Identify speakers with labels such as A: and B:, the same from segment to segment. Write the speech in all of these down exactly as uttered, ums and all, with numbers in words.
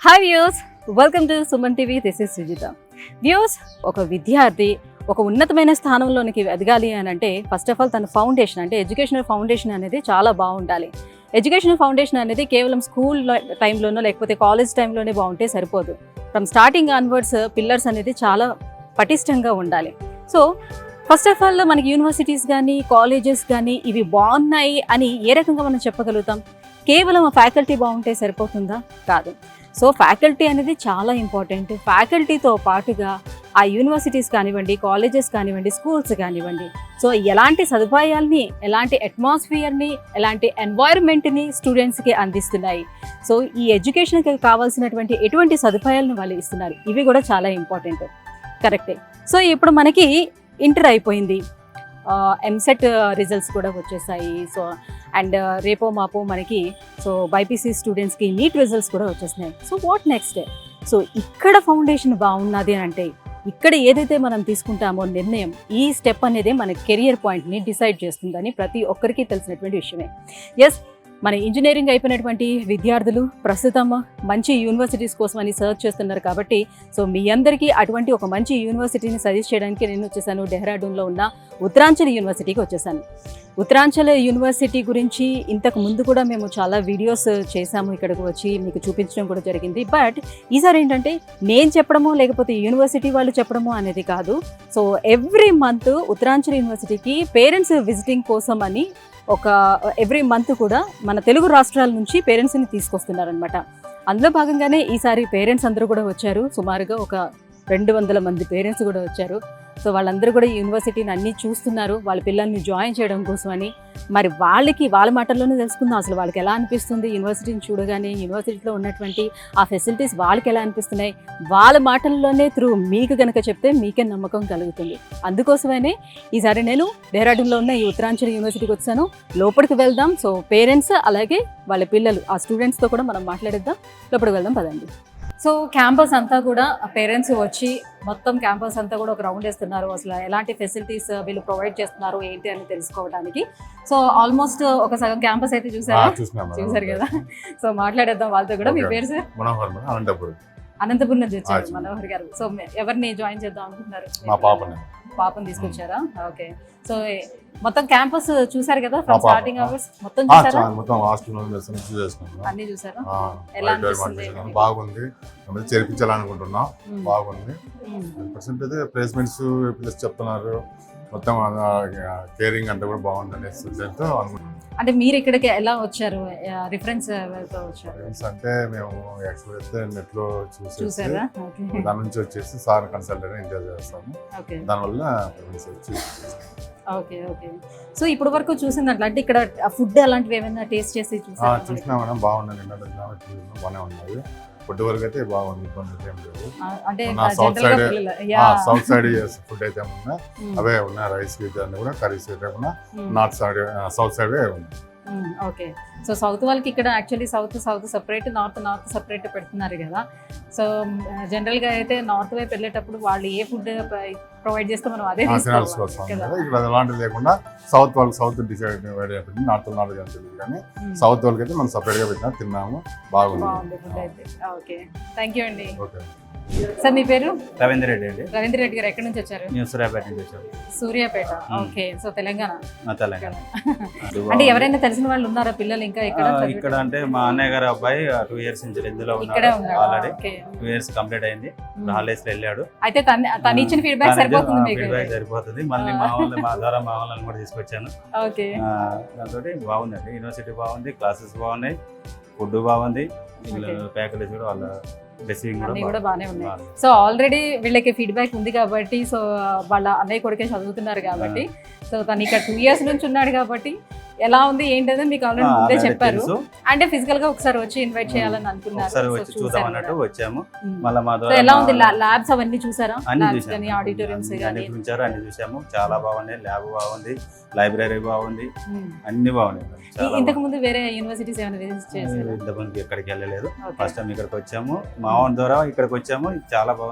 A: Hi views, welcome to Suman TV. This is Sujitha. Views, ఒక విద్యార్థి ఒక ఉన్నతమైన స్థానంలోనికి ఎదగాలి అని అంటే ఫస్ట్ ఆఫ్ ఆల్ తన ఫౌండేషన్ అంటే ఎడ్యుకేషనల్ ఫౌండేషన్ అనేది చాలా బాగుండాలి. ఎడ్యుకేషనల్ ఫౌండేషన్ అనేది కేవలం స్కూల్ టైంలోనో లేకపోతే కాలేజ్ టైంలోనే బాగుంటే సరిపోదు. ఫ్రమ్ స్టార్టింగ్ ఆన్వర్డ్స్ పిల్లర్స్ అనేది చాలా పటిష్టంగా ఉండాలి. సో ఫస్ట్ ఆఫ్ ఆల్ మనకి యూనివర్సిటీస్ కానీ కాలేజెస్ కానీ ఇవి బాగున్నాయి అని ఏ రకంగా మనం చెప్పగలుగుతాం? కేవలం ఆ ఫ్యాకల్టీ బాగుంటే సరిపోతుందా? కాదు. సో ఫ్యాకల్టీ అనేది చాలా ఇంపార్టెంట్. ఫ్యాకల్టీతో పాటుగా ఆ యూనివర్సిటీస్ కానివ్వండి, కాలేజెస్ కానివ్వండి, స్కూల్స్ కానివ్వండి, సో ఎలాంటి సదుపాయాల్ని, ఎలాంటి అట్మాస్ఫియర్ని, ఎలాంటి ఎన్వైరన్మెంట్ని స్టూడెంట్స్కి అందిస్తున్నాయి, సో ఈ ఎడ్యుకేషన్కి కావాల్సినటువంటి ఎటువంటి సదుపాయాలను వాళ్ళు ఇస్తున్నారు, ఇవి కూడా చాలా ఇంపార్టెంట్. కరెక్టే. సో ఇప్పుడు మనకి ఇంటర్ అయిపోయింది, ఎంసెట్ రిజల్ట్స్ కూడా వచ్చేసాయి. సో అండ్ రేపో మాపో మనకి సో బైపీసీ స్టూడెంట్స్కి నీట్ రిజల్ట్స్ కూడా వచ్చేసినాయి. So what next? సో ఇక్కడ ఫౌండేషన్ బాగున్నది అని అంటే ఇక్కడ ఏదైతే మనం తీసుకుంటామో నిర్ణయం, ఈ స్టెప్ అనేది మన కెరియర్ పాయింట్ని డిసైడ్ చేస్తుందని ప్రతి ఒక్కరికి తెలిసినటువంటి విషయమే. ఎస్, మన ఇంజనీరింగ్ అయిపోయినటువంటి విద్యార్థులు ప్రస్తుతం మంచి యూనివర్సిటీస్ కోసం అని సర్చ్ చేస్తున్నారు. కాబట్టి సో మీ అందరికీ అటువంటి ఒక మంచి యూనివర్సిటీని సజెస్ట్ చేయడానికి నేను వచ్చేసాను. డెహ్రాడూన్లో ఉన్న ఉత్తరాంచల్ యూనివర్సిటీకి వచ్చేసాను. ఉత్తరాంచల్ యూనివర్సిటీ గురించి ఇంతకు ముందు కూడా మేము చాలా వీడియోస్ చేశాము, ఇక్కడికి వచ్చి మీకు చూపించడం కూడా జరిగింది. బట్ ఈసారి ఏంటంటే నేను చెప్పడమో లేకపోతే యూనివర్సిటీ వాళ్ళు చెప్పడమో అనేది కాదు. సో ఎవ్రీ మంత్ ఉత్తరాంచల్ యూనివర్సిటీకి పేరెంట్స్ విజిటింగ్ కోసం అని ఒక ఎవ్రీ మంత్ కూడా మన తెలుగు రాష్ట్రాల నుంచి పేరెంట్స్ని తీసుకొస్తున్నారనమాట. అందులో భాగంగానే ఈసారి పేరెంట్స్ అందరూ కూడా వచ్చారు. సుమారుగా ఒక రెండు వందల మంది పేరెంట్స్ కూడా వచ్చారు. సో వాళ్ళందరూ కూడా యూనివర్సిటీని అన్నీ చూస్తున్నారు, వాళ్ళ పిల్లల్ని జాయిన్ చేయడం కోసం అని. మరి వాళ్ళకి వాళ్ళ మాటల్లోనే తెలుసుకుందాం అసలు వాళ్ళకి ఎలా అనిపిస్తుంది యూనివర్సిటీని చూడగానే, యూనివర్సిటీలో ఉన్నటువంటి ఆ ఫెసిలిటీస్ వాళ్ళకి ఎలా అనిపిస్తున్నాయి, వాళ్ళ మాటల్లోనే త్రూ మీకు కనుక చెప్తే మీకే నమ్మకం కలుగుతుంది. అందుకోసమనే ఈసారి నేను డెహ్రాడూన్లో ఉన్న ఈ ఉత్తరాంచల్ యూనివర్సిటీకి వచ్చాను. లోపలికి వెళ్దాం. సో పేరెంట్స్ అలాగే వాళ్ళ పిల్లలు ఆ స్టూడెంట్స్తో కూడా మనం మాట్లాడిద్దాం. లోపలికి వెళ్దాం పదండి. సో క్యాంపస్ అంతా కూడా పేరెంట్స్ వచ్చి మొత్తం క్యాంపస్ అంతా కూడా ఒక రౌండ్ వేస్తున్నారు. అసలు ఎలాంటి ఫెసిలిటీస్ వీళ్ళు ప్రొవైడ్ చేస్తున్నారు ఏంటి అని తెలుసుకోవడానికి. సో ఆల్మోస్ట్ ఒక సగం క్యాంపస్ అయితే చూసారా? చూసారు కదా. సో మాట్లాడేద్దాం వాళ్ళతో కూడా. మీ పేరు సార్? అనంతపురం నుంచి వచ్చారు మనోహర్ గారు. సో ఎవరిని జాయిన్ చేద్దాం అనుకుంటున్నారు? పాపని తీసుకొచ్చారా? ఓకే. సో మొత్తం క్యాంపస్ చూసారు కదా, ఫ్రమ్ స్టార్టింగ్ అవర్స్ మొత్తం చూసారా?
B: మొత్తం హాస్టల్
A: అన్ని చూసారా? ఎలా అనిపిస్తుంది?
B: బాగుంది, చేర్పించాలనుకుంటున్నాం. బాగుంది. పర్సెంట్ అయితే ప్లేస్మెంట్స్ ప్లస్ చెప్తున్నారు. మొత్తం కేరింగ్ అంతా కూడా బాగుంది అనేసి అనుకుంటున్నాం.
A: అంటే మీరు ఇక్కడికి ఎలా వచ్చారు? రిఫరెన్స్ తో వచ్చారు
B: అంటే మేము యాక్చువల్ అయితే నెట్ లో చూసి దాని నుంచి వచ్చేసి సార్ కన్సల్ట్ ఇంటర్వ్యూ చేస్తాము. దానివల్ల
A: ఓకే ఓకే. సో ఇప్పుడు వరకు చూసిందంటే అంటే ఇక్కడ ఫుడ్ అలాంటివి ఏమైనా టేస్ట్ చేసి చూసారా?
B: చూసినా మేడం, బాగుంది. బాగానే ఉన్నది. ఫుడ్ వరకు అయితే బాగుంది, ఇబ్బంది ఏం లేదు. South side south side food అయితే ఉన్నా అవే ఉన్నాయి. రైస్ అన్ని కూడా కర్రీస్ అయితే ఉన్నా. నార్త్ సైడ్ సౌత్ సైడ్ ఉన్నాయి.
A: ఓకే. సో సౌత్ వాళ్ళకి ఇక్కడ actually south south separate, north north separate పెడుతున్నారు కదా. సో జనరల్గా అయితే నార్త్ వైపు వెళ్ళేటప్పుడు వాళ్ళు ఏ ఫుడ్ ప్రొవైడ్ చేస్తే మనం అదే
B: ఇక్కడ అలాంటివి లేకుండా సౌత్ వాళ్ళకి సౌత్ డిసైడ్ పెట్టింది, నార్త్ నార్త్ అని తెలియదు. కానీ సౌత్ వాళ్ళకి అయితే మనం సపరేట్ గా పెట్టినా తిన్నాము, బాగుంది ఫుడ్ అయితే.
A: ఓకే, థ్యాంక్ యూ అండి. సార్ మీ పేరు?
C: రవీంద్ర రెడ్డి అండి.
A: రవీంద్ర రెడ్డి గారు ఎక్కడి నుంచి వచ్చారు?
C: సూర్యాపేట నుంచి వచ్చారు.
A: సూర్యాపేట. ఓకే. సో తెలంగాణ.
C: తెలంగాణ.
A: అంటే ఎవరైనా తెలిసిన వాళ్ళు ఉన్నారా పిల్లలు ఇంకా ఇక్కడ?
C: ఇక్కడ అంటే మా అన్నయ్య గారు అబ్బాయి టూ ఇయర్స్ నుంచి ఇందులో ఉన్నాడు. ఆల్రెడీ టూ ఇయర్స్ కంప్లీట్ అయింది. హాలిడేస్ లో వెళ్ళాడు.
A: అయితే తను ఇచ్చిన ఫీడ్బ్యాక్ సరిపోతుంది మీకు?
C: ఫీడ్బ్యాక్ సరిపోతుంది. మళ్ళీ మా వాళ్ళని మా ద్వారా మా వాళ్ళని కూడా తీసుకొచ్చాను.
A: ఓకే.
C: దాంతో బాగుందండి. యూనివర్సిటీ బాగుంది, క్లాసెస్ బాగున్నాయి, ఫుడ్ బాగుంది, ఫ్యాకల్టీస్ కూడా వాళ్ళ
A: అన్నీ కూడా బాగానే ఉన్నాయి. సో ఆల్రెడీ వీళ్ళకి ఫీడ్బ్యాక్ ఉంది కాబట్టి, సో వాళ్ళ అన్నయ్య కొడుకే చదువుతున్నారు కాబట్టి, సో తను ఇక్కడ టూ ఇయర్స్ నుంచి ఉన్నాడు కాబట్టి ఎలా ఉంది ఏంటంటే మీకు ఆల్రెడీ ముందే చెప్పారు. అంటే ఫిజికల్ గా ఒకసారి వచ్చి ఇన్వైట్ చేయాలని అనుకున్నారు.
C: వచ్చాము.
A: ఎలా ఉంది ల్యాబ్స్ అవన్నీ చూసారా? ఆడిటోరియంస్
C: అన్ని చూసాము. చాలా బాగున్నాయి. ల్యాబ్ బాగుంది, లైబ్రరీ బాగుంది, అన్ని బాగున్నాయి.
A: ఇంతకు ముందు వేరే యూనివర్సిటీస్ ఏమైనా విజిట్ చేశారా?
C: ఇంతకుముందు ఎక్కడికి వెళ్ళలేదు. ఫస్ట్ టైం ఇక్కడికి వచ్చాము. మా ఓన్ ద్వారా ఇక్కడికి వచ్చాము. చాలా బాగుంది.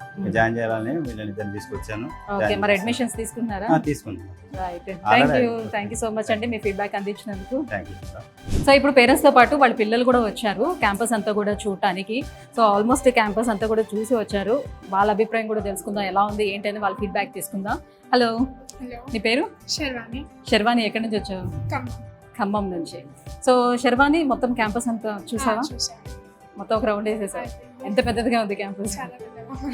C: జాయిన్ చేయాలని వీళ్ళని ఇద్దరిని తీసుకొచ్చాను.
A: ఓకే, మరి అడ్మిషన్స్ తీసుకున్నారా?
C: ఆ, తీసుకున్నాను.
A: Right, thank you thank you so much అండి మీ ఫీడ్బ్యాక్ అందించినందుకు.
C: Thank you.
A: సో ఇప్పుడు పేరెంట్స్తో పాటు వాళ్ళ పిల్లలు కూడా వచ్చారు క్యాంపస్ అంతా కూడా చూడటానికి. సో ఆల్మోస్ట్ క్యాంపస్ అంతా కూడా చూసి వచ్చారు. వాళ్ళ అభిప్రాయం కూడా తెలుసుకుందాం, ఎలా ఉంది ఏంటని వాళ్ళ ఫీడ్బ్యాక్ తీసుకుందాం. హలో,
D: హలో,
A: నీ పేరు?
D: శర్వాణి.
A: శర్వాణి, ఎక్కడి నుంచి వచ్చావు?
D: ఖమ్మం.
A: ఖమ్మం నుంచి. సో శర్వాణి, మొత్తం క్యాంపస్ అంతా చూసావా?
D: ఆ, చూసాను.
A: మొత్తం ఒక రౌండ్ వేసేసావు. ఎంత పెద్దదిగా ఉంది క్యాంపస్.
D: చాలా పెద్దగా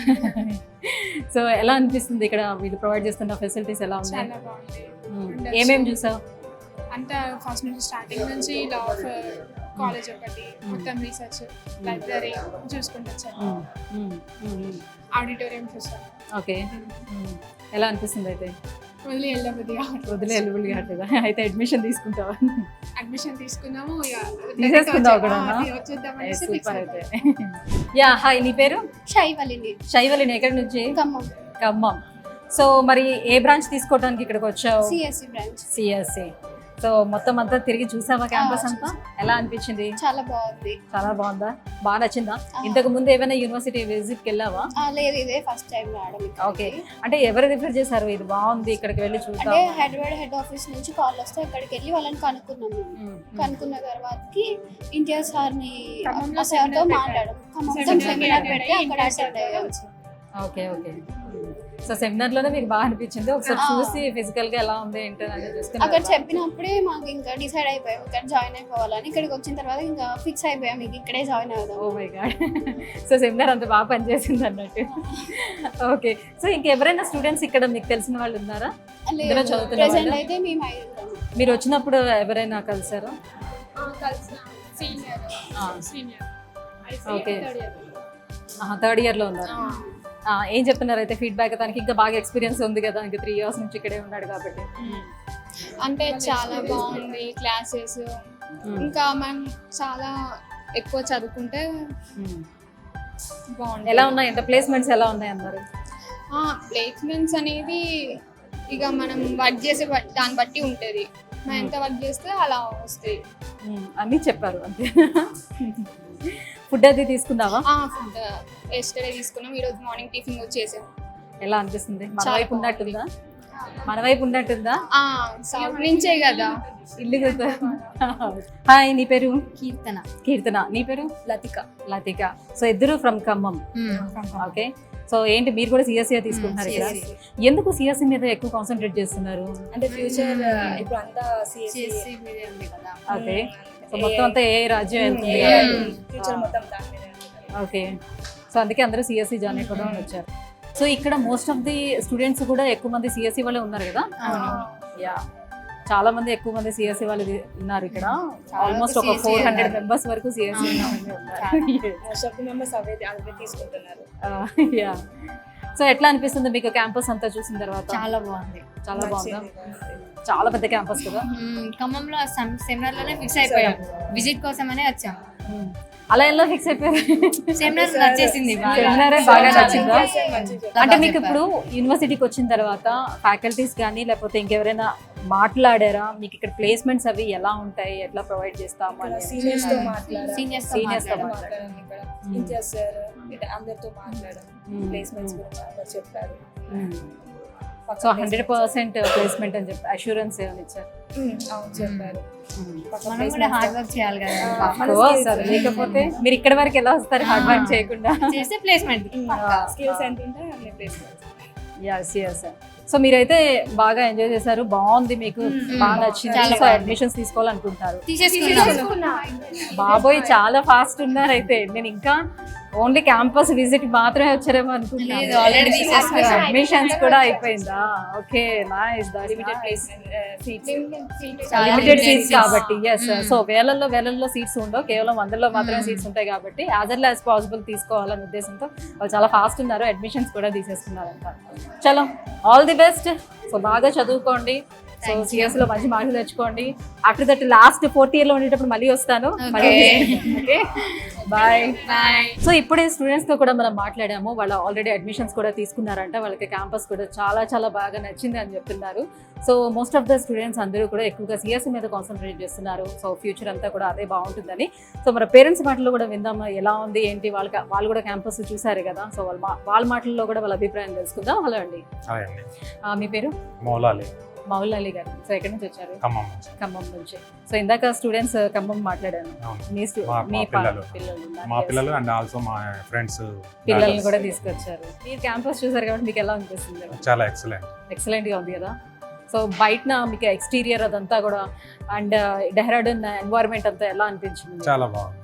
A: సో ఎలా అనిపిస్తుంది ఇక్కడ వీళ్ళు ప్రొవైడ్ చేస్తున్న ఫెసిలిటీస్ ఎలా ఉన్నాయి?
D: చాలా బాగుంది.
A: మ్మ్. ఏమేమి చూసావు?
D: అంతా ఫస్ట్ నుంచి స్టార్టింగ్ నుంచి లా ఆఫ్ కాలేజ్ ఒకటి, మొత్తం రీసెర్చ్, లైబ్రరీ చూసుకుంటూ వచ్చాను.
A: మ్మ్. మ్మ్. మ్మ్.
D: ఆడిటోరియం చూసాను.
A: ఓకే, మ్మ్. ఎలా అనిపిస్తుంది అయితే?
D: వదిలి వెళ్ళబుద్ది
A: వదిలే ఎలిబుల్ కావట్లేదా? అయితే అడ్మిషన్ తీసుకుంటావా?
D: అడ్మిషన్ తీసుకున్నాము. ఇక
A: తీసేసుకుందావు కూడా?
D: ఆ, వచ్చేద్దాం అనేసి fix
A: సూపర్ అయితే.
D: అయిపోయాం.
A: యా, హాయ్, నీ పేరు?
E: శైవలిని.
A: శైవలిని, ఎక్కడి నుంచి?
E: ఖమ్మం.
A: ఖమ్మం. సో మరి ఏ బ్రాంచ్ తీసుకోవడానికి ఇక్కడికి వచ్చావు?
E: CSC branch.
A: సిఎస్సి. సో మొత్తం అంతా తిరిగి చూసావా క్యాంపస్ అంతా? ఎలా అనిపించింది?
E: చాలా బాగుంది.
A: చాలా బాగుందా? బాగా నచ్చిందా? ఇంతకు ముందు ఏమైనా యూనివర్సిటీ విజిట్కి వెళ్ళావా?
E: ఆ, లేదు, ఇదే ఫస్ట్ టైం రావడం ఇక్కడికి.
A: ఓకే, అంటే ఎవరు రిఫర్ చేశారు ఇది బాగుంది ఇక్కడికి వెళ్ళి
E: అంటే
A: చూద్దాం?
E: హైదరాబాద్ హెడ్ ఆఫీస్ నుంచి కాల్ వస్తే అక్కడికి వెళ్ళి వాళ్ళని కనుక్కున్నాము. కనుక్కున్న తర్వాతకి ఇంటియర్ సార్ని
D: ఖమ్మంలో
E: సార్తో
D: seminar
E: మాట్లాడడం. ఖమ్మంలో
D: Seminar
E: సెమినార్
D: పెట్టి
E: పెడితే అక్కడ
D: ఇంటియర్
E: అటెండ్ అయ్యాం.
A: Okay okay. సో సెమినార్ లోనే మీకు బాగా అనిపించింది? ఒకసారి
E: ఆ.
A: చూసి ఫిజికల్ గా ఎలా ఉంది ఏంటి అనేది
E: అక్కడ
A: చూసుకున్నారు?
E: చెప్పినప్పుడే మాకు ఇంకా డిసైడ్ అయిపోయాం ఇక్కడ జాయిన్ అయిపోవాలని. ఇక్కడికి వచ్చిన తర్వాత ఇంకా ఫిక్స్ అయిపోయాం మీకు ఇక్కడే జాయిన్
A: ఓ
E: అవుదాం.
A: My God. సో సెమినార్ అంత బాగా పనిచేసింది అన్నట్టు. ఓకే, సో ఇంకెవరైనా స్టూడెంట్స్ ఇక్కడ మీకు తెలిసిన వాళ్ళు ఉన్నారా? ఇందులో
E: లేదు,
A: చదువుతున్న
E: ప్రెసెంట్
A: వాళ్ళా?
E: అయితే మేము ఐదుగురం.
A: మీరు వచ్చినప్పుడు ఎవరైనా కలిసారా?
D: ఆ, కలిసిన సీనియర్
A: ఆ.
D: Senior
A: okay.
D: Third year.
A: Third year లో ఉన్నారు. ఆ, ఏం చెప్తున్నారు అయితే ఫీడ్బ్యాక్? తనకి ఇంకా బాగా ఎక్స్పీరియన్స్ ఉంది కదా, ఇంకా త్రీ ఇయర్స్ నుంచి ఇక్కడే ఉన్నాడు కాబట్టి.
F: అంటే చాలా బాగుంది క్లాసెస్. ఇంకా మనం చాలా ఎక్కువ చదువుకుంటే
A: మ్మ్.
F: బాగుంది.
A: ఎలా ఉన్నాయి అంటే ప్లేస్మెంట్స్ ఎలా ఉన్నాయి అన్నారు?
F: ప్లేస్మెంట్స్ అనేది ఇక మనం వర్క్ చేసే బట్- దాన్ని బట్టి ఉంటుంది. మనం ఎంత వర్క్ చేస్తే అలా వస్తాయి.
A: మ్మ్. అన్నీ చెప్పారు అంతే. ఫుడ్ అది తీసుకున్నావా?
F: ఫుడ్ ఎస్టర్డే తీసుకున్నాం, ఈరోజు మార్నింగ్ టిఫిన్ వచ్చేసాం.
A: ఎలా అనిపిస్తుంది? మన
F: చాలా
A: వైపు ఉన్నట్టుందా? మన వైపు ఉన్నట్టుందా?
F: సౌత్ నుంచే కదా.
A: ఇల్లు కదా. హాయ్, నీ పేరు?
E: కీర్తన.
A: కీర్తన. నీ పేరు?
E: లతిక.
A: లతిక. సో ఇద్దరు ఫ్రమ్ ఖమ్మం. ఓకే, సో ఏంటి మీరు కూడా సిఎస్సి తీసుకుంటున్నారు ఇక్కడ? ఎందుకు సిఎస్సి మీద ఎక్కువ కాన్సన్ట్రేట్ చేస్తున్నారు?
G: అంటే ఫ్యూచర్ ఇప్పుడు అంతా
E: సిఎస్సి మీదే ఉంది కదా.
A: ఓకే, సో మొత్తం అంతా ఏ రాజ్యం వెళ్తుంది?
G: ఫ్యూచర్ మొత్తం దాని మీద.
A: ఓకే, సో అందుకే అందరూ సిఎస్సి జాయిన్ అయిపోవడం వచ్చారు. సో ఇక్కడ మోస్ట్ ఆఫ్ ది స్టూడెంట్స్ కూడా ఎక్కువ మంది సిఎస్సి వాళ్ళే ఉన్నారు కదా? యా, చాలా మంది ఎక్కువ మంది సిఎస్సి వాళ్ళు ఉన్నారు ఇక్కడ. ఆల్మోస్ట్ ఒక ఫోర్ హండ్రెడ్ మెంబర్స్ వరకు సిఎస్సి ఉన్నారు.
G: మోస్ట్ ఆఫ్ ది మెంబర్స్ అవే అవే తీసుకుంటున్నారు.
A: యా, సో ఎట్లా అనిపిస్తుంది మీకు క్యాంపస్ అంతా చూసిన తర్వాత?
E: చాలా బాగుంది.
A: చాలా బాగుందా? చాలా పెద్ద క్యాంపస్ కదా.
E: ఖమ్మంలో సెమినార్ లోనే ఫిక్స్ అయిపోయాం, విజిట్ కోసమనే వచ్చాం.
A: అలా ఎలా ఫిక్స్ అయిపోయారు?
E: సెమినార్ నచ్చేసింది బాగా.
A: సెమినారే బాగా నచ్చిందా?
G: మంచిగా
A: అంటే మీకు ఇప్పుడు యూనివర్సిటీకి వచ్చిన తర్వాత ఫ్యాకల్టీస్ కానీ లేకపోతే ఇంకెవరైనా మాట్లాడారా? మీకు ఇక్కడ ప్లేస్మెంట్స్ అవి ఎలా ఉంటాయి, ఎట్లా ప్రొవైడ్ చేస్తాము అని?
G: సీనియర్స్ తో మాట్లాడాలి.
E: సీనియర్స్
A: Seniors తో
G: మాట్లాడాలి ఇక్కడ. ఇంటర్ సార్ ఇట్లా అందరితో మాట్లాడాలి. ప్లేస్మెంట్స్ గురించి అందరు చెప్పారు.
A: సో హండ్రెడ్ పర్సెంట్ ప్లేస్మెంట్ అని చెప్పి అష్యూరెన్స్ ఏమైనా ఇచ్చారు?
G: ఉమ్, అవును చెప్పారు.
E: మనం కూడా హార్డ్ వర్క్ చేయాలి కదా.
G: మన
A: ఓ,
G: skills
A: సరే, లేకపోతే మీరు ఇక్కడ వరకు ఎలా వస్తారు హార్డ్ వర్క్ చేయకుండా?
E: చేస్తే ప్లేస్మెంట్.
G: స్కిల్స్ ఎంత ఉంటే అన్ని ప్లేస్మెంట్స్.
A: Yes yes. సో మీరైతే బాగా ఎంజాయ్ చేశారు, బాగుంది, మీకు బాగా నచ్చింది.
E: చాలా
A: సో
E: బాగుంది.
A: అడ్మిషన్స్ తీసుకోవాలనుకుంటారు.
E: తీసేసుకున్నాం.
A: బాబోయ్, చాలా ఫాస్ట్ ఉన్నారు అయితే. నేను ఇంకా ఓన్లీ క్యాంపస్ విజిట్ మాత్రమే వచ్చారేమో
E: లేదు,
A: అనుకుంటున్నాను.
E: already తీసేసుకున్నాం.
A: అడ్మిషన్స్ కూడా అయిపోయిందా? Okay, nice.
G: Limited placement seats.
E: చాలా
A: లిమిటెడ్
E: limited
A: సీట్స్
E: seats.
A: కాబట్టి ఎస్.
E: Mm.
A: సో వేలల్లో వేలల్లో సీట్స్ ఉండవు, కేవలం వందల్లో మాత్రమే
E: Mm.
A: సీట్స్ ఉంటాయి కాబట్టి యాజ్ ఎర్లీ యాజ్ పాసిబుల్ తీసుకోవాలనే ఉద్దేశంతో వాళ్ళు చాలా ఫాస్ట్ ఉన్నారు, అడ్మిషన్స్ కూడా తీసేసుకున్నారంట. చలో, ఆల్ ది బెస్ట్. సో బాగా చదువుకోండి. సో సిఎస్ లో మంచి మార్కులు తెచ్చుకోండి. After that last fourth year లో ఉండేటప్పుడు మళ్ళీ వస్తాను. Okay bye bye. సో ఇప్పుడే స్టూడెంట్స్ తో కూడా మనం మాట్లాడాము. వాళ్ళు ఆల్రెడీ అడ్మిషన్స్ కూడా తీసుకున్నారంట. వాళ్ళకి క్యాంపస్ కూడా చాలా చాలా బాగా నచ్చింది అని చెప్తున్నారు. So most of the students అందరూ కూడా ఎక్కువగా సిఎస్సి మీద కాన్సన్ట్రేట్ చేస్తున్నారు. సో ఫ్యూచర్ అంతా కూడా అదే బాగుంటుందని. సో మన పేరెంట్స్ మాటల్లో కూడా విందాం, ఎలా ఉంది ఏంటి, వాళ్ళకి వాళ్ళు కూడా క్యాంపస్ చూసారు కదా. సో వాళ్ళ వాళ్ళ మాటల్లో కూడా వాళ్ళ అభిప్రాయం తెలుసుకుందాం. హలో అండి, మీ పేరు?
C: మౌలాలి.
A: మౌలాలి గారు. సో ఎక్కడి నుంచి వచ్చారు?
C: ఖమ్మం.
A: ఖమ్మం నుంచి. సో ఇందాక స్టూడెంట్స్ ఖమ్మం మాట్లాడాను. మీ stu-
C: మా-
A: మీ
C: మా
A: పా-
C: పిల్లలు.
A: పిల్లలు ఉన్నారు.
C: మా
A: Yes.
C: పిల్లలు అండ్ ఆల్సో మా ఫ్రెండ్స్
A: పిల్లల్ని కూడా తీసుకొచ్చారు. మీరు క్యాంపస్ చూసారు కాబట్టి మీకు ఎలా అనిపిస్తుంది?
C: చాలా ఎక్సలెంట్.
A: ఎక్సలెంట్ గా ఉంది కదా. సో బయట మీకు ఎక్స్టీరియర్ అదంతా కూడా అండ్ డెహ్రాడూన్ ఎన్వైరన్మెంట్ అంతా ఎలా అనిపించింది?
C: చాలా బాగుంది,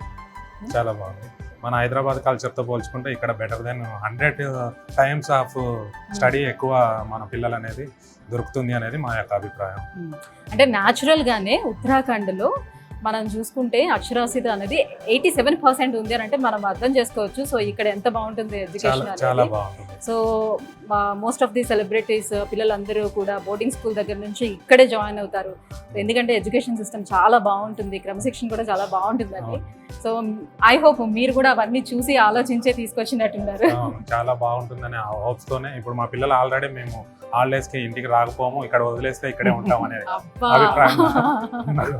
C: చాలా బాగుంది. మన హైదరాబాద్ కల్చర్తో పోల్చుకుంటే ఇక్కడ better than hundred times of study ఎక్కువ మన పిల్లలు అనేది దొరుకుతుంది అనేది మా యొక్క అభిప్రాయం.
A: అంటే న్యాచురల్ గానే ఉత్తరాఖండ్లో మనం చూసుకుంటే అక్షరాస్యత అనేది ఎయిటీ సెవెన్ పర్సెంట్ ఉంది అని అంటే మనం అర్థం చేసుకోవచ్చు. సో ఇక్కడ ఎంత బాగుంటుంది ఎడ్యుకేషన్
C: చాలా చాలా
A: అనేది.
C: బాగుంటుంది.
A: So most of the celebrities పిల్లలందరూ కూడా బోర్డింగ్ స్కూల్ దగ్గర నుంచి ఇక్కడే జాయిన్ అవుతారు. ఎందుకంటే ఎడ్యుకేషన్ సిస్టమ్ చాలా బాగుంటుంది, క్రమశిక్షణ కూడా చాలా బాగుంటుందండి. సో ఐ హోప్ మీరు కూడా అవన్నీ చూసి ఆలోచించే తీసుకొచ్చినట్టున్నారు.
C: అవును, చాలా బాగుంటుందనే హోప్స్ తోనే ఇప్పుడు మా పిల్లలు ఆల్రెడీ మేము హాలిడేస్ కి ఇంటికి రాకపోము, ఇక్కడ వదిలేస్తే ఇక్కడే ఉంటాం అనే
A: అబ్బా.
C: అభిప్రాయం ఉన్నారు.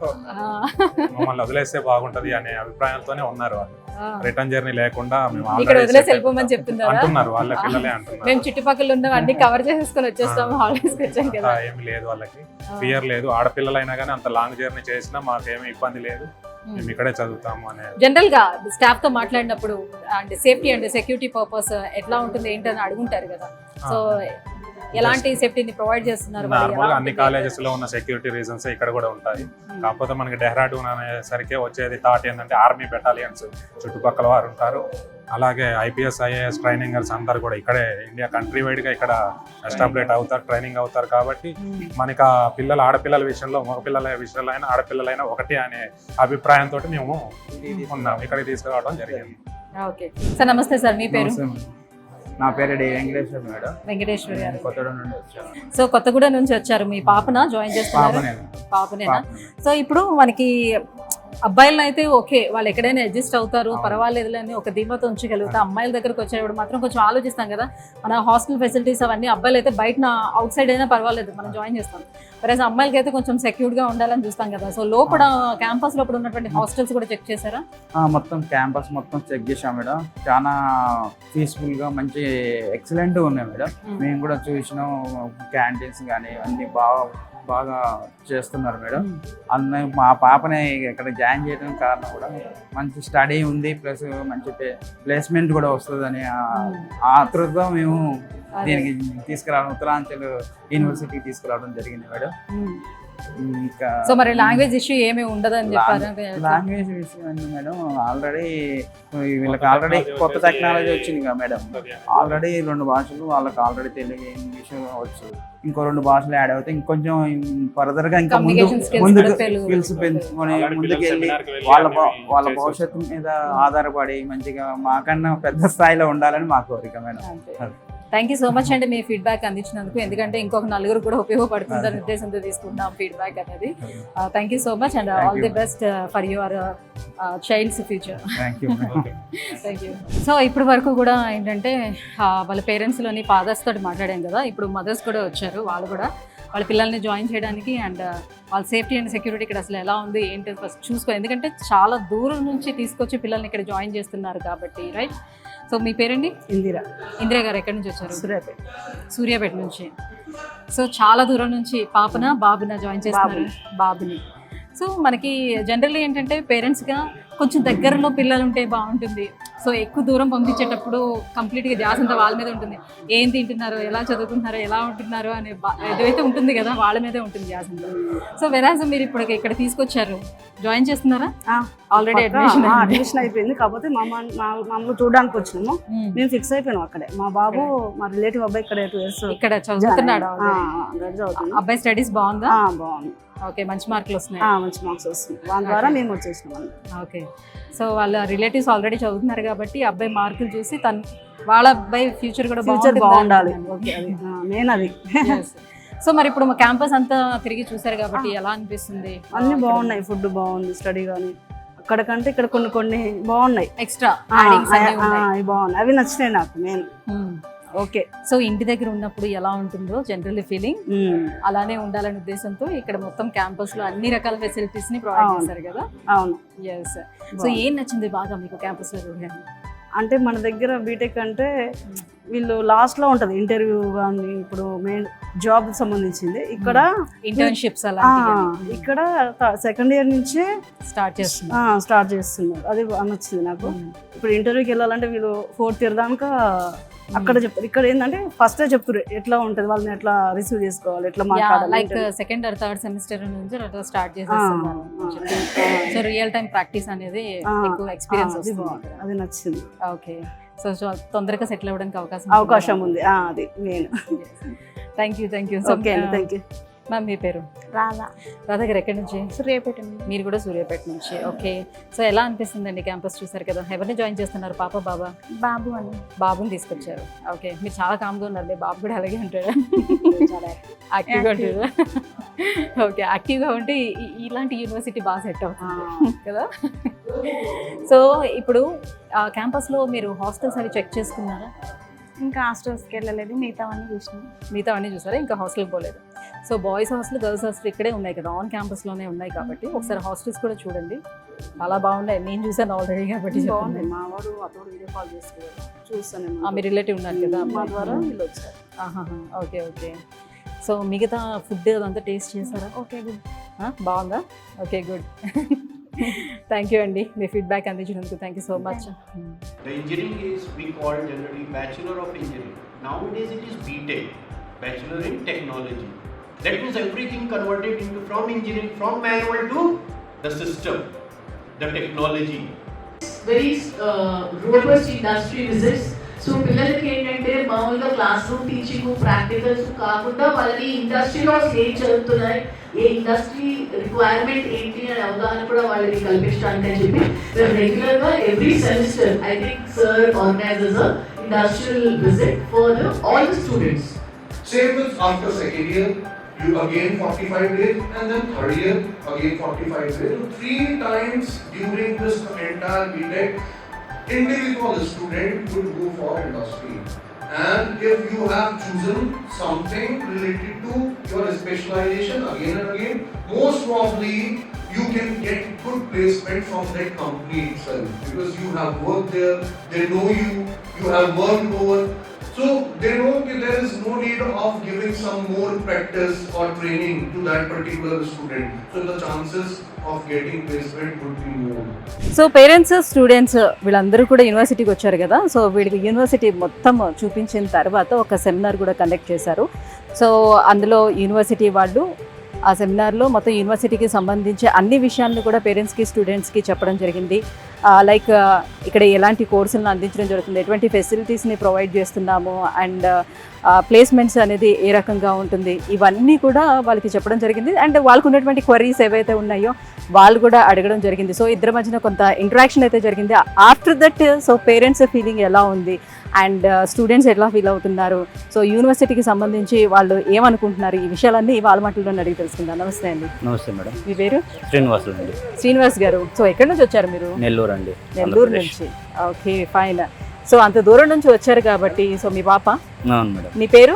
C: మమ్మల్ని వదిలేస్తే బాగుంటది అనే అభిప్రాయంతోనే ఉన్నారు వాళ్ళు.
A: ఆ.
C: రిటర్న్ జర్నీ లేకుండా మేము
A: ఇక్కడ
C: already
A: వదిలేసి
C: set
A: వెళ్ళిపోమని చెప్తున్నారా?
C: అంటున్నారు, వాళ్ళ పిల్లలే అంటున్నారు.
A: మేము చుట్టుపక్కల ఉన్న అన్ని కవర్ చేసేసుకొని వచ్చేస్తాము, హాలిడేస్ కి వచ్చాం కదా.
C: అంతా ఏమి లేదు వాళ్ళకి, ఫియర్ లేదు. ఆడపిల్లలైనా కానీ అంత లాంగ్ జర్నీ చేసినా మాకేమీ ఇబ్బంది లేదు, మేము ఇక్కడే చదువుతాము అనే.
A: జనరల్ గా స్టాఫ్ తో మాట్లాడినప్పుడు and safety and security purpose ఎట్లా ఉంటుంది ఏంటని అడుగుంటారు కదా. సో ఎలాంటి సేఫ్టీని ప్రొవైడ్ చేస్తున్నారు? మరి ఎలా
C: నార్మల్గా అన్ని
A: ఉంటుంది?
C: కాలేజెస్ లో ఉన్న సెక్యూరిటీ రీజన్స్ ఇక్కడ కూడా ఉంటాయి. కాకపోతే మనకి డెహ్రాడూన్ అనేసరికి వచ్చేది థాట్ ఏంటంటే ఆర్మీ బెటాలియన్స్ చుట్టుపక్కల వారు ఉంటారు. అలాగే ఐపీఎస్ ఐఏఎస్ ట్రైనింగర్స్ అందరు కూడా ఇక్కడే ఇండియా కంట్రీ వైడ్ గా ఇక్కడ ఎస్టాబ్లిష్ అవుతారు, ట్రైనింగ్ అవుతారు. కాబట్టి మనకి ఆ పిల్లల ఆడపిల్లల విషయంలో మగపిల్లల విషయంలో అయినా ఆడపిల్లలైనా ఒకటి అనే అభిప్రాయంతో మేము ఉన్నాం, ఇక్కడికి తీసుకురావడం జరిగింది.
A: ఓకే సార్, నమస్తే సార్, మీ పేరు?
H: నా పేరు డి వెంకటేశ్వర మేడం.
A: వెంకటేశ్వర గారు.
H: కొత్తగూడెం నుండి వచ్చాను.
A: సో కొత్తగూడెం నుంచి వచ్చారు. మీ పాపన జాయిన్ చేస్తున్నారు?
H: పాపనే.
A: పాపనేనా?
H: పాపనే.
A: సో ఇప్పుడు మనకి అబ్బాయిలను అయితే ఓకే, వాళ్ళు ఎక్కడైనా అడ్జస్ట్ అవుతారు, పర్వాలేదు అని ఒక ధీమాతో ఉంచగలుగుతా. అమ్మాయిల దగ్గరకు వచ్చేటప్పుడు మాత్రం కొంచెం ఆలోచిస్తాం కదా. మన హాస్టల్ ఫెసిలిటీస్ అవన్నీ అబ్బాయిలు అయితే బయట అవుట్ సైడ్ అయినా పర్వాలేదు, మనం జాయిన్ చేస్తాం. వరేజ్ అమ్మాయిలకి అయితే కొంచెం సెక్యూర్డ్ గా ఉండాలని చూస్తాం కదా. సో లోపల క్యాంపస్ లోపల ఉన్నటువంటి హాస్టల్స్ కూడా చెక్ చేశారా?
H: ఆ, మొత్తం క్యాంపస్ మొత్తం చెక్ చేసాం మేడం. చాలా పీస్ఫుల్ గా మంచి ఎక్సలెంట్ ఉన్నాయి మేడం. మేము కూడా చూసినాం, క్యాంటీన్స్ కానీ అన్ని బాగా బాగా చేస్తున్నారు మేడం. అన్న మా పాపని ఇక్కడ జాయిన్ చేయడం కారణం కూడా మంచి స్టడీ ఉంది, ప్లస్ మంచి ప్లేస్మెంట్ కూడా వస్తుందని ఆతృతతో మేము దీనికి తీసుకురావడం, ఉత్తరాంచల్ యూనివర్సిటీకి తీసుకురావడం జరిగింది మేడం. ఇంకా
A: సో మరి లాంగ్వేజ్ ఇష్యూ ఏమీ ఉండదని చెప్పారు.
H: లాంగ్వేజ్ విషయం అండి మేడం, ఆల్రెడీ వీళ్ళకి ఆల్రెడీ కొత్త టెక్నాలజీ వచ్చింది కదా మేడం. ఆల్రెడీ రెండు భాషలు వాళ్ళకి ఆల్రెడీ తెలుగు, ఇంగ్లీష్ వచ్చు. ఇంకో రెండు భాషలు యాడ్ అవుతాయి. ఇంకొంచెం ఫర్దర్ గా ఇంకా ముందు
A: Communication skills
H: ముందుకు
A: కూడా తెలుగు.
H: స్కిల్స్ పెంచుకొని ముందుకు వెళ్ళి వాళ్ళ భ- వాళ్ళ భవిష్యత్తు మీద ఆధారపడి మంచిగా మాకన్నా పెద్ద స్థాయిలో ఉండాలని మా కోరిక madam.
A: Thank you so much అండి మీ ఫీడ్బ్యాక్ అందించినందుకు. ఎందుకంటే ఇంకొక నలుగురు కూడా ఉపయోగపడుతుందని ఉద్దేశంతో తీసుకుంటాం ఫీడ్బ్యాక్ అనేది. Thank you so much and all the best for your child's future.
H: Thank you
A: thank you. So ఇప్పటి వరకు కూడా ఏంటంటే ఆ, వాళ్ళ పేరెంట్స్లోని ఫాదర్స్ తోటి మాట్లాడాం కదా. ఇప్పుడు మదర్స్ కూడా వచ్చారు. వాళ్ళు కూడా వాళ్ళ పిల్లల్ని జాయిన్ చేయడానికి అండ్ వాళ్ళ సేఫ్టీ అండ్ సెక్యూరిటీ ఇక్కడ అసలు ఎలా ఉంది ఏంటి ఫస్ట్ చూసుకో. ఎందుకంటే చాలా దూరం నుంచి తీసుకొచ్చి పిల్లల్ని ఇక్కడ జాయిన్ చేస్తున్నారు కాబట్టి, రైట్? సో మీ పేరండి?
I: ఇందిరా.
A: ఇందిరా గారు ఎక్కడి నుంచి వచ్చారు?
I: సూర్యాపేట.
A: సూర్యాపేట నుంచి. సో చాలా దూరం నుంచి పాపన బాబున జాయిన్ చేస్తున్నారు? బాబుని. సో మనకి జనరల్లీ ఏంటంటే పేరెంట్స్గా కొంచెం దగ్గరలో పిల్లలు ఉంటే బాగుంటుంది. సో ఎక్కువ దూరం పంపించేటప్పుడు కంప్లీట్గా ధ్యాస అంతా వాళ్ళ మీద ఉంటుంది. ఏం తింటున్నారో, ఎలా చదువుకుంటున్నారో, ఎలా ఉంటున్నారో అనే ఏదైతే ఉంటుంది కదా, వాళ్ళ మీదే ఉంటుంది ధ్యాస అంతా. సో వెరాజ్ మీరు ఇప్పుడు ఇక్కడ తీసుకొచ్చారు, జాయిన్ చేస్తున్నారా? ఆల్రెడీ అడ్మిషన్
I: అడ్మిషన్ అయిపోయింది. కాకపోతే మా మమ్మల్ని చూడడానికి వచ్చినాము. మేము ఫిక్స్ అయిపోయినాం అక్కడే. మా బాబు మా రిలేటివ్ అబ్బాయి ఇక్కడ టూ ఇయర్స్
A: ఇక్కడ చదువుతున్నాడు.
I: చదువుతున్నాం.
A: అబ్బాయి స్టడీస్ బాగుందా?
I: బాగుంది.
A: ఓకే, మంచి మార్కులు వస్తున్నాయి.
I: మంచి మార్క్స్ వస్తున్నాయి. దాని ద్వారా మేము వచ్చేసినాం.
A: ఓకే. సో వాళ్ళ రిలేటివ్స్ ఆల్రెడీ చదువుతున్నారు కాబట్టి అబ్బాయి మార్కులు చూసి తను వాళ్ళ అబ్బాయి ఫ్యూచర్ కూడా
I: ఫ్యూచర్ బాగుండాలి. ఓకే, అది మెయిన్ అది.
A: సో మరి ఇప్పుడు మా క్యాంపస్ అంతా తిరిగి చూసారు కాబట్టి ఎలా అనిపిస్తుంది?
I: అన్ని బాగున్నాయి, ఫుడ్ బాగుంది, స్టడీ కానీ అక్కడ కంటే ఇక్కడ కొన్ని కొన్ని బాగున్నాయి,
A: ఎక్స్ట్రా
I: ఆ, ఆ, అవి బాగున్నాయి, అవి నచ్చినాయి నాకు మెయిన్. ఓకే.
A: సో ఇంటి దగ్గర ఉన్నప్పుడు ఎలా ఉంటుందో జనరల్ ఫీలింగ్ అలానే ఉండాలనే ఉద్దేశంతో ఇక్కడ మొత్తం క్యాంపస్ లో అన్ని రకాల ఫెసిలిటీస్ ని ప్రొవైడ్ చేశారు కదా?
I: అవును.
A: ఎస్. సో ఏం నచ్చింది బాగా మీకు క్యాంపస్ లో?
I: అంటే మన దగ్గర బీటెక్ అంటే వీళ్ళు లాస్ట్ లో ఉంటది ఇంటర్వ్యూ కానీ ఇప్పుడు మెయిన్ జాబ్ సంబంధించింది, ఇక్కడ
A: ఇంటర్న్షిప్స్ అలా
I: ఇక్కడ సెకండ్ ఇయర్ నుంచే
A: స్టార్ట్ చేస్తున్నారు
I: స్టార్ట్ చేస్తున్నారు అది నచ్చింది నాకు. ఇప్పుడు ఇంటర్వ్యూకి వెళ్ళాలంటే వీళ్ళు ఫోర్త్ ఇయర్ దాకా అక్కడ చెప్తారు, ఇక్కడ ఏంటంటే ఫస్ట్ చెప్తారు ఎట్లా ఉంటది, వాళ్ళని ఎట్లా రిసీవ్ చేసుకోవాలి, ఎట్లా మాట్లాడాలి.
A: Like second or third semester నుంచి అట్లా స్టార్ట్ చేసేస్తున్నారు. సో రియల్ టైం ప్రాక్టీస్ అనేది ఎక్కువ ఎక్స్పీరియన్స్ వస్తుంది,
I: అది నచ్చింది.
A: ఓకే. సో తొందరగా సెటిల్ అవ్వడానికి అవకాశం
I: అవకాశం ఉంది, అది main.
A: Thank you thank you.
I: Okay అండి, థ్యాంక్ యూ.
A: మ్యామ్ మీ పేరు?
E: రాధా.
A: రాధా గారు ఎక్కడి నుంచి?
E: సూర్యాపేట.
A: మీరు కూడా సూర్యాపేట నుంచి. ఓకే. సో ఎలా అనిపిస్తుందండి క్యాంపస్ చూసారు కదా? ఎవరిని జాయిన్ చేస్తున్నారు, పాప బాబా?
E: బాబు అని.
A: బాబుని తీసుకొచ్చారు. ఓకే. మీరు చాలా కామ్గా ఉన్నారు, మీ బాబు కూడా అలాగే ఉంటాడు, చాలా యాక్టివ్గా ఉంటాడు. ఓకే. యాక్టివ్గా ఉంటే ఇలాంటి యూనివర్సిటీ బాగా సెట్ అవుతుంది కదా? సో ఇప్పుడు క్యాంపస్లో మీరు హాస్టల్స్ అవి చెక్ చేసుకున్నారా?
E: ఇంకా హాస్టల్స్కి వెళ్ళలేదు, మిగతా అన్నీ చూసినాం.
A: మిగతా అన్నీ చూసారా? ఇంకా హాస్టల్కి పోలేదు. So boys hostel, girls hostel ఇక్కడే ఉన్నాయి కదా, ఆన్ క్యాంపస్లోనే ఉన్నాయి కాబట్టి ఒకసారి హాస్టల్స్ కూడా చూడండి, చాలా బాగున్నాయి. నేను చూసాను ఆల్రెడీ కాబట్టి
I: బాగుంది. మా వాడు అతడు వీడియో కాల్ చేసుకున్నారు, చూస్తాను.
A: మీ రిలేటివ్ ఉన్నారు కదా,
I: మా ద్వారా వీళ్ళు వచ్చారు.
A: Okay okay. సో మిగతా ఫుడ్ అదంతా టేస్ట్ చేశారా?
E: Okay, good.
A: బాగుందా? Okay, good. థ్యాంక్ యూ అండి, మీ ఫీడ్బ్యాక్ అందించినందుకు thank you so much.
J: The engineering is we call generally Bachelor of Engineering. Nowadays it is B Tech, Bachelor in Technology. That means everything converted into from engineering, from manual to the system, the technology.
K: Very uh, robust industry visits. So పిల్లలకి ఏంటంటే మామూలుగా class room teaching practicals కాకుండా వాళ్ళని ఇండస్ట్రీలో ఏం చదువుతున్నాయి, ఏ industry requirement ఏంటి అనే అవగాహన కూడా వాళ్ళకి కల్పించడానికి అని చెప్పి మేము రెగ్యులర్గా every semester I think sir organises industrial visit for all the students.
L: Same with after second year, you again forty-five days, and then third year again forty-five days. So three times during this entire B Tech, individual student would go for industry. And if you have chosen something related to your specialization again and again, most probably you can get good placement from that company itself because you have worked there, they know you, you have worked over. So they know that there is no need of giving some more practice or training to that particular student. So the chances of getting placement would be more.
A: So parents, students వీళ్ళందరూ కూడా యూనివర్సిటీకి వచ్చారు కదా, so వీడికి university మొత్తం చూపించిన తర్వాత ఒక సెమినార్ కూడా కండక్ట్ చేశారు. సో అందులో యూనివర్సిటీ వాళ్ళు ఆ సెమినార్లో మొత్తం యూనివర్సిటీకి సంబంధించి అన్ని విషయాలను కూడా పేరెంట్స్కి, స్టూడెంట్స్కి చెప్పడం జరిగింది. లైక్ ఇక్కడ ఎలాంటి కోర్సులను అందించడం జరుగుతుంది, ఎటువంటి ఫెసిలిటీస్ని ప్రొవైడ్ చేస్తున్నాము, అండ్ ప్లేస్మెంట్స్ అనేది ఏ రకంగా ఉంటుంది, ఇవన్నీ కూడా వాళ్ళకి చెప్పడం జరిగింది. అండ్ వాళ్ళకు ఉన్నటువంటి క్వరీస్ ఏవైతే ఉన్నాయో వాళ్ళు కూడా అడగడం జరిగింది. సో ఇద్దరి మధ్యన కొంత ఇంటరాక్షన్ అయితే జరిగింది. After that so parents feeling ఎలా ఉంది అండ్ స్టూడెంట్స్ ఎట్లా ఫీల్ అవుతున్నారు, సో యూనివర్సిటీకి సంబంధించి వాళ్ళు ఏమనుకుంటున్నారు, ఈ విషయాలన్నీ వాళ్ళ మాటల్లో అడిగి తెలుసుకుందాం. నమస్తే అండి.
M: నమస్తే మేడం.
A: మీ పేరు?
M: శ్రీనివాస్ అండి.
A: శ్రీనివాస్ గారు, సో ఎక్కడి నుంచి వచ్చారు మీరు?
M: నెల్లూరు అండి.
A: నెల్లూరు నుంచి. Okay, fine. సో అంత దూరం నుంచి వచ్చారు కాబట్టి, సో మీ పాప?
M: అవును మేడం.
A: మీ పేరు?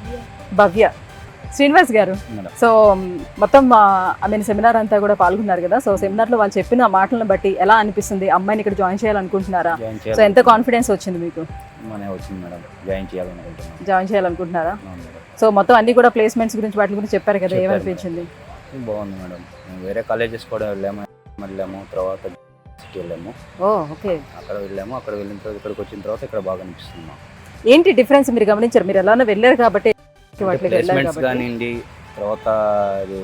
A: భవ్య. శ్రీనివాస్ గారు, సో మొత్తం ఐ మీన్ సెమినార్ అంతా కూడా పాల్గొన్నారు కదా, సో సెమినార్లో వాళ్ళు చెప్పిన మాటలను బట్టి ఎలా అనిపిస్తుంది? అమ్మాయిని ఇక్కడ జాయిన్ చేయాలనుకుంటున్నారా? సో ఎంత కాన్ఫిడెన్స్ వచ్చింది మీకు?
M: వచ్చింది మేడం, జాయిన్ చేయాలనుకుంటున్నాను.
A: జాయిన్ చేయాలనుకుంటున్నారా? సో మొత్తం అన్ని కూడా ప్లేస్మెంట్స్ గురించి వాటి గురించి చెప్పారు కదా, ఏమనిపించింది?
M: బాగుంది మేడం. వేరే కాలేజెస్ కూడా వెళ్ళాము, వెళ్ళాము తర్వాత సిటీ వెళ్ళాము.
A: Oh okay.
M: అక్కడ వెళ్ళాము, అక్కడ వెళ్ళిన తర్వాత ఇక్కడికి వచ్చిన తర్వాత ఇక్కడ బాగా అనిపిస్తుంది.
A: ఏంటి డిఫరెన్స్ మీరు గమనించారు? మీరు ఎలానో వెళ్ళారు కాబట్టి
M: ప్లేస్మెంట్స్ కానివ్వండి, తర్వాత అది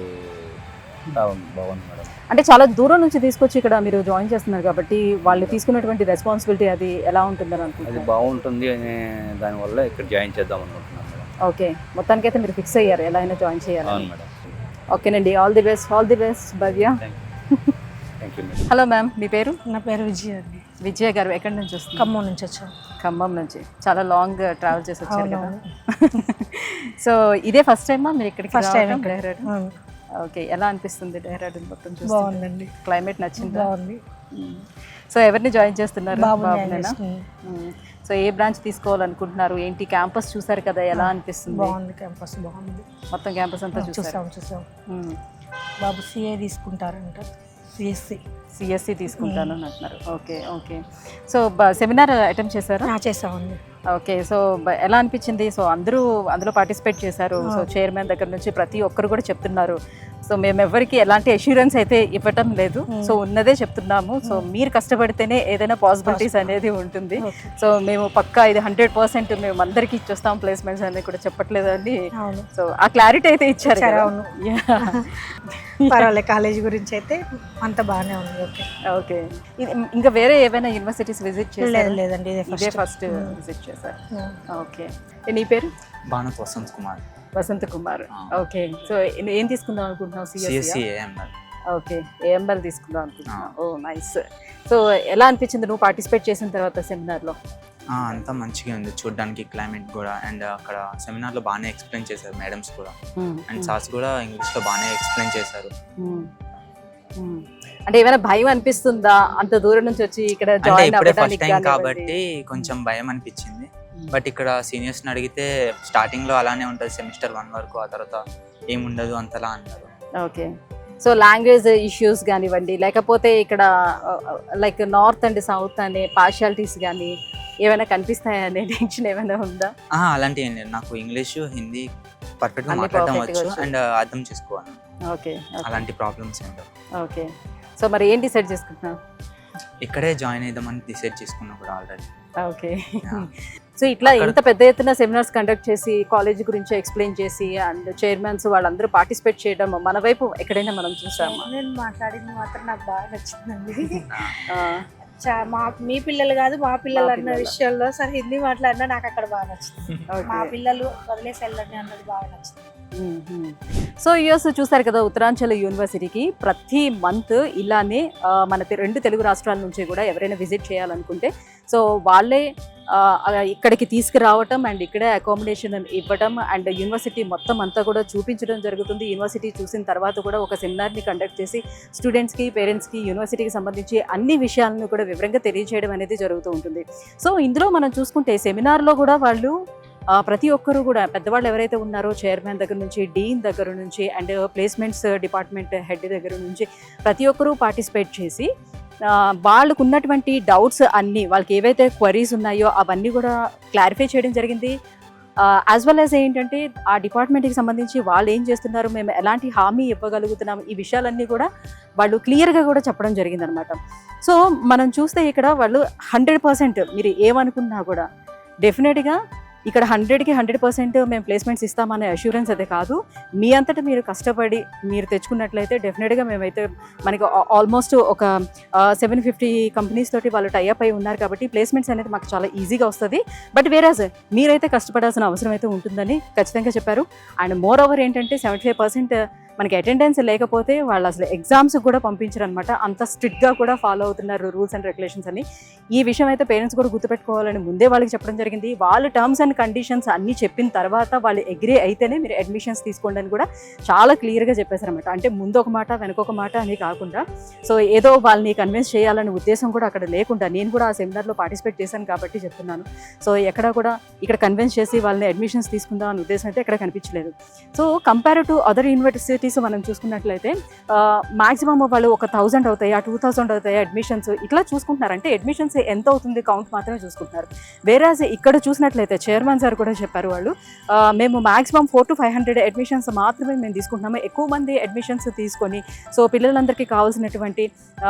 M: బాగుంది మేడం.
A: అంటే చాలా దూరం నుంచి తీసుకొచ్చి ఇక్కడ మీరు జాయిన్ చేస్తున్నారు కాబట్టి వాళ్ళు తీసుకున్నటువంటి రెస్పాన్సిబిలిటీ అది ఎలా ఉంటుందని అనుకుంటున్నారు?
M: అది బాగుంటుంది అనే దానివల్ల ఇక్కడ జాయిన్ చేద్దాం అనుకుంటున్నాను మేడం.
A: ఓకే, మొత్తానికైతే మీరు ఫిక్స్ అయ్యారు ఎలా అయినా జాయిన్ చేయాలి?
M: అవును మేడం.
A: ఓకేనండి, all the best. All the best Bhavya.
M: Thank you madam.
A: Hello ma'am, మీ పేరు?
I: నా పేరు విజయ అండి.
A: విజయ గారు ఎక్కడి నుంచి వస్తుంది?
N: ఖమ్మం నుంచి వచ్చాం.
A: ఖమ్మం నుంచి చాలా లాంగ్ ట్రావెల్ చేసి వచ్చారు కదా. సో ఇదే ఫస్ట్ టైమా మీరు ఇక్కడికి?
N: First time.
A: డెహ్రాడూన్. ఓకే, ఎలా అనిపిస్తుంది డెహ్రాడూన్ మొత్తం చూస్తే?
N: బాగుందండి.
A: క్లైమేట్ నచ్చింది?
N: బాగుంది.
A: సో ఎవరిని జాయిన్ చేస్తున్నారు?
N: బాబునేనా.
A: సో ఏ బ్రాంచ్ తీసుకోవాలనుకుంటున్నారు? ఏంటి క్యాంపస్ చూసారు కదా, ఎలా అనిపిస్తుంది?
N: బాగుంది, క్యాంపస్ బాగుంది.
A: మొత్తం క్యాంపస్ అంతా
N: చూసాం చూసాం బాబు సిఏ తీసుకుంటారంట. సిఎస్సి
A: సిఎస్సి తీసుకుంటాను అని అంటున్నారు. Okay okay. So seminar attempt చేశారా?
N: చేసామండి.
A: ఓకే, సో ఎలా అనిపించింది? సో అందరూ అందులో పార్టిసిపేట్ చేశారు. సో చైర్మన్ దగ్గర నుంచి ప్రతి ఒక్కరు కూడా చెప్తున్నారు. సో మేము ఎవరికి ఎలాంటి అష్యూరెన్స్ అయితే ఇవ్వటం లేదు. సో ఉన్నదే చెప్తున్నాము. సో మీరు కష్టపడితేనే ఏదైనా పాసిబిలిటీస్ అనేది ఉంటుంది. సో మేము పక్కా ఇది హండ్రెడ్ పర్సెంట్ మేము అందరికీ ఇచ్చేస్తాం ప్లేస్మెంట్స్ అనేది కూడా చెప్పట్లేదండి. సో ఆ క్లారిటీ అయితే ఇచ్చారు.
N: పర్వాలేదు, కాలేజ్ గురించి అయితే అంత బాగానే ఉంది. Okay
A: okay. ఇది ఇంకా వేరే ఏమైనా యూనివర్సిటీస్ విజిట్ చేశారు?
N: లేదండి,
A: ఇదే ఫస్ట్ విజిట్ చేశారు. ఓకే. నీ పేరు?
O: భానుత్ వసంత్ కుమార్.
A: వసంత్ కుమార్. ఓకే. సో ఏం తీసుకుందాం అనుకుంటున్నావు?
O: CSC AML.
A: ఓకే, ఏఎంఎల్ తీసుకుందాం అనుకుంటున్నావు. ఓ నైస్. సో ఎలా అనిపించింది నువ్వు పార్టిసిపేట్ చేసిన తర్వాత సెమినార్లో?
O: అంతా మంచిగా ఉంది చూడడానికి, క్లైమేట్ కూడా. అండ్ అక్కడ సెమినార్లో బాగానే ఎక్స్ప్లెయిన్ చేశారు మేడమ్స్ కూడా. అండ్ సార్స్ కూడా ఇంగ్లీష్లో బాగానే ఎక్స్ప్లెయిన్ చేశారు.
A: అంటే ఏమైనా భయం అనిపిస్తుందా అంత దూరం నుంచి వచ్చి ఇక్కడ జాయిన్
O: అవ్వడానికి? కాబట్టి కొంచెం భయం అనిపించింది. బట్ ఇక్కడ సీనియర్స్ని అడిగితే స్టార్టింగ్లో అలానే ఉంటుంది సెమిస్టర్ వన్ వరకు, ఆ తర్వాత ఏముండదు అంతలా అన్నారు.
A: ఓకే. సో లాంగ్వేజ్ ఇష్యూస్ కానివ్వండి, లేకపోతే ఇక్కడ లైక్ నార్త్ అండ్ సౌత్ అనే పార్షియాలిటీస్ కానీ ఏమైనా కనిపిస్తాయా అనే టెన్షన్ ఏమైనా ఉందా?
O: అలాంటి ఏం లేదు. నాకు ఇంగ్లీష్, హిందీ పర్ఫెక్ట్గా మాట్లాడడం వచ్చు అండ్ అర్థం చేసుకోవాలి.
A: ఓకే.
O: అలాంటి ప్రాబ్లమ్స్ ఏంటో.
A: ఓకే. సో మరి ఏం డిసైడ్ చేసుకుంటున్నావు?
O: ఇక్కడే జాయిన్ అయిద్దామని డిసైడ్ చేసుకున్నా కూడా ఆల్రెడీ.
A: ఓకే. సో ఇట్లా ఇంత పెద్ద ఎత్తున సెమినార్స్ కండక్ట్ చేసి కాలేజ్ గురించి ఎక్స్ప్లెయిన్ చేసి అండ్ చైర్మన్స్ వాళ్ళందరూ పార్టిసిపేట్ చేయడం మన వైపు ఎక్కడైనా మనం చూసామా?
N: నేను మాట్లాడింది మాత్రం నాకు బాగా నచ్చిందండి. మా మీ పిల్లలు కాదు మా పిల్లలు అన్న విషయంలో సరే హిందీ మాట్లాడినా నాకు అక్కడ బాగా నచ్చింది. మా పిల్లలు వదిలేసి వెళ్ళండి అన్నది బాగా నచ్చింది.
A: సో యూఎస్ చూసారు కదా, ఉత్తరాంచల్ యూనివర్సిటీకి ప్రతి మంత్ ఇలానే మన రెండు తెలుగు రాష్ట్రాల నుంచి కూడా ఎవరైనా విజిట్ చేయాలనుకుంటే సో వాళ్ళే ఇక్కడికి తీసుకురావటం అండ్ ఇక్కడే అకామిడేషన్ ఇవ్వడం అండ్ యూనివర్సిటీ మొత్తం అంతా కూడా చూపించడం జరుగుతుంది. యూనివర్సిటీ చూసిన తర్వాత కూడా ఒక సెమినార్ని కండక్ట్ చేసి స్టూడెంట్స్కి, పేరెంట్స్కి యూనివర్సిటీకి సంబంధించి అన్ని విషయాలను కూడా వివరంగా తెలియజేయడం అనేది జరుగుతూ ఉంటుంది. సో ఇందులో మనం చూసుకుంటే సెమినార్లో కూడా వాళ్ళు ప్రతి ఒక్కరు కూడా పెద్దవాళ్ళు ఎవరైతే ఉన్నారో చైర్మన్ దగ్గర నుంచి, డీన్ దగ్గర నుంచి అండ్ ప్లేస్మెంట్స్ డిపార్ట్మెంట్ హెడ్ దగ్గర నుంచి ప్రతి ఒక్కరూ పార్టిసిపేట్ చేసి వాళ్ళకు ఉన్నటువంటి డౌట్స్ అన్నీ, వాళ్ళకి ఏవైతే క్వరీస్ ఉన్నాయో అవన్నీ కూడా క్లారిఫై చేయడం జరిగింది. యాజ్ వెల్ యాజ్ ఏంటంటే ఆ డిపార్ట్మెంట్కి సంబంధించి వాళ్ళు ఏం చేస్తున్నారు, మేము ఎలాంటి హామీ ఇవ్వగలుగుతున్నాం, ఈ విషయాలన్నీ కూడా వాళ్ళు క్లియర్గా కూడా చెప్పడం జరిగిందనమాట. సో మనం చూస్తే ఇక్కడ వాళ్ళు హండ్రెడ్ పర్సెంట్ మీరు ఏమనుకున్నా కూడా డెఫినెట్గా ఇక్కడ హండ్రెడ్కి హండ్రెడ్ పర్సెంట్ మేము ప్లేస్మెంట్స్ ఇస్తామనే అష్యూరెన్స్ అయితే కాదు. మీ అంతటా మీరు కష్టపడి మీరు తెచ్చుకున్నట్లయితే డెఫినెట్గా మేమైతే మనకి ఆల్మోస్ట్ ఒక సెవెన్ ఫిఫ్టీ కంపెనీస్ తోటి వాళ్ళు టైఅప్ అయి ఉన్నారు కాబట్టి ప్లేస్మెంట్స్ అనేది మాకు చాలా ఈజీగా వస్తుంది. బట్ వేరేజ్ మీరైతే కష్టపడాల్సిన అవసరం అయితే ఉంటుందని ఖచ్చితంగా చెప్పారు. అండ్ మోర్ ఓవర్ ఏంటంటే సెవెంటీ ఫైవ్ పర్సెంట్ మనకి అటెండెన్స్ లేకపోతే వాళ్ళు అసలు ఎగ్జామ్స్ కూడా పంపించరు అనమాట. అంత స్ట్రిక్ట్గా కూడా ఫాలో అవుతున్నారు రూల్స్ అండ్ రెగ్యులేషన్స్ అని. ఈ విషయం అయితే పేరెంట్స్ కూడా గుర్తుపెట్టుకోవాలని ముందే వాళ్ళకి చెప్పడం జరిగింది. వాళ్ళ టర్మ్స్ అండ్ కండిషన్స్ అన్నీ చెప్పిన తర్వాత వాళ్ళు అగ్రీ అయితేనే మీరు అడ్మిషన్స్ తీసుకోండి అని కూడా చాలా క్లియర్గా చెప్పేశారనమాట. అంటే ముందు ఒక మాట వెనకొక మాట అని కాకుండా సో ఏదో వాళ్ళని కన్విన్స్ చేయాలనే ఉద్దేశం కూడా అక్కడ లేకుండా, నేను కూడా ఆ సెమినార్లో పార్టిసిపేట్ చేశాను కాబట్టి చెప్తున్నాను. సో ఎక్కడ కూడా ఇక్కడ కన్విన్స్ చేసి వాళ్ళని అడ్మిషన్స్ తీసుకుందాం అనే ఉద్దేశం అయితే ఎక్కడ కనిపించలేదు. So compare to other universities మనం చూసుకున్నట్లయితే మాక్సిమం వాళ్ళు ఒక థౌజండ్ అవుతాయి, ఆ టూ థౌజండ్ అవుతాయి అడ్మిషన్స్ ఇట్లా చూసుకుంటున్నారు. అంటే అడ్మిషన్స్ ఎంత అవుతుంది కౌంట్ మాత్రమే చూసుకుంటున్నారు. వేరేజ్ ఇక్కడ చూసినట్లయితే చైర్మన్ సార్ కూడా చెప్పారు, వాళ్ళు మేము maximum four to five hundred admissions మాత్రమే మేము తీసుకుంటున్నాము. ఎక్కువ మంది అడ్మిషన్స్ తీసుకొని సో పిల్లలందరికీ కావాల్సినటువంటి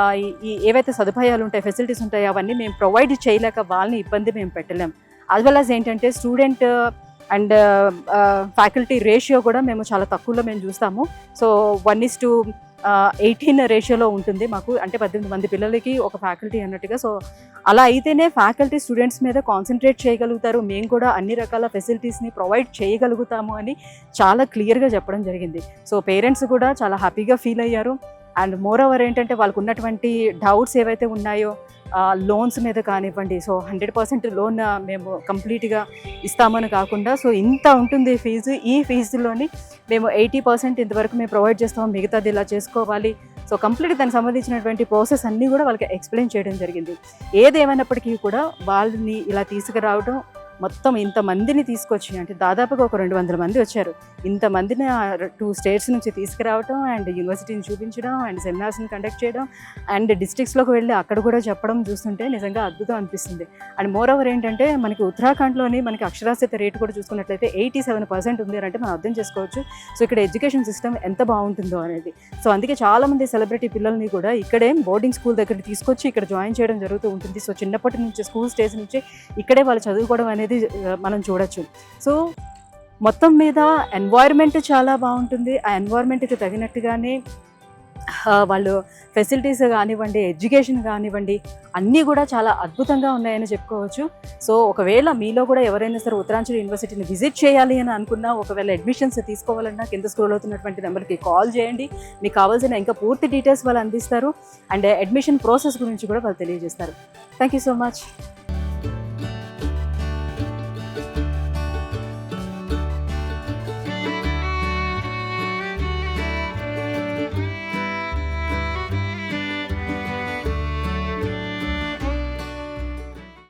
A: ఈ ఏవైతే సదుపాయాలు ఉంటాయి, ఫెసిలిటీస్ ఉంటాయి అవన్నీ మేము ప్రొవైడ్ చేయలేక వాళ్ళని ఇబ్బంది మేము పెట్టలేం. యాజ్ వెల్ యాజ్ ఏంటంటే స్టూడెంట్ అండ్ ఫ్యాకల్టీ రేషియో కూడా మేము చాలా తక్కువలో మేము చూస్తాము. So one is to eighteen రేషియోలో ఉంటుంది మాకు, అంటే పద్దెనిమిది మంది పిల్లలకి ఒక ఫ్యాకల్టీ అన్నట్టుగా. సో అలా అయితేనే ఫ్యాకల్టీ స్టూడెంట్స్ మీద కాన్సన్ట్రేట్ చేయగలుగుతారు, మేము కూడా అన్ని రకాల ఫెసిలిటీస్ని ప్రొవైడ్ చేయగలుగుతాము అని చాలా క్లియర్గా చెప్పడం జరిగింది. సో పేరెంట్స్ కూడా చాలా హ్యాపీగా ఫీల్ అయ్యారు. అండ్ మోర్ ఓవర్ ఏంటంటే వాళ్ళకు ఉన్నటువంటి డౌట్స్ ఏవైతే ఉన్నాయో లోన్స్ మీద కానివ్వండి, సో హండ్రెడ్ పర్సెంట్ లోన్ మేము కంప్లీట్గా ఇస్తామని కాకుండా సో ఇంత ఉంటుంది ఫీజు, ఈ ఫీజులోని మేము ఎయిటీ పర్సెంట్ ఇంతవరకు మేము ప్రొవైడ్ చేస్తాము, మిగతాది ఇలా చేసుకోవాలి. సో కంప్లీట్ దానికి సంబంధించినటువంటి ప్రాసెస్ అన్నీ కూడా వాళ్ళకి ఎక్స్ప్లెయిన్ చేయడం జరిగింది. ఏదేమైనప్పటికీ కూడా వాళ్ళని ఇలా తీసుకురావడం, మొత్తం ఇంతమందిని తీసుకొచ్చి అంటే దాదాపుగా ఒక రెండు వందల మంది వచ్చారు, ఇంతమందిని టూ స్టేట్స్ నుంచి తీసుకురావడం అండ్ యూనివర్సిటీని చూపించడం అండ్ సెమినార్స్ని కండక్ట్ చేయడం అండ్ డిస్ట్రిక్ట్స్లోకి వెళ్ళి అక్కడ కూడా చెప్పడం చూస్తుంటే నిజంగా అద్భుతం అనిపిస్తుంది. అండ్ మోర్ ఓవర్ ఏంటంటే మనకి ఉత్తరాఖండ్లోని మనకి అక్షరాస్యత రేటు కూడా చూసుకున్నట్లయితే ఎయిటీ సెవెన్ పర్సెంట్ ఉంది అంటే మనం అర్థం చేసుకోవచ్చు. సో ఇక్కడ ఎడ్యుకేషన్ సిస్టమ్ ఎంత బాగుంటుందో అనేది. సో అందుకే చాలామంది సెలబ్రిటీ పిల్లల్ని కూడా ఇక్కడే బోర్డింగ్ స్కూల్ దగ్గరికి తీసుకొచ్చి ఇక్కడ జాయిన్ చేయడం జరుగుతూ ఉంటుంది. సో చిన్నప్పటి నుంచి స్కూల్ స్టేజ్ నుంచి ఇక్కడే వాళ్ళు చదువుకోవడం అనేది మనం చూడొచ్చు. సో మొత్తం మీద ఎన్వైర్న్మెంట్ చాలా బాగుంటుంది. ఆ ఎన్వైర్న్మెంట్కి తగినట్టుగానే వాళ్ళు ఫెసిలిటీస్ కానివ్వండి, ఎడ్యుకేషన్ కానివ్వండి, అన్నీ కూడా చాలా అద్భుతంగా ఉన్నాయని చెప్పుకోవచ్చు. సో ఒకవేళ మీలో కూడా ఎవరైనా సరే ఉత్తరాంచల్ యూనివర్సిటీని విజిట్ చేయాలి అని అనుకున్నా, ఒకవేళ అడ్మిషన్స్ తీసుకోవాలన్నా కింద స్క్రోల్ అవుతున్నటువంటి నెంబర్కి కాల్ చేయండి. మీకు కావాల్సిన ఇంకా పూర్తి డీటెయిల్స్ వాళ్ళు అందిస్తారు అండ్ అడ్మిషన్ ప్రాసెస్ గురించి కూడా వాళ్ళు తెలియజేస్తారు. Thank you so much.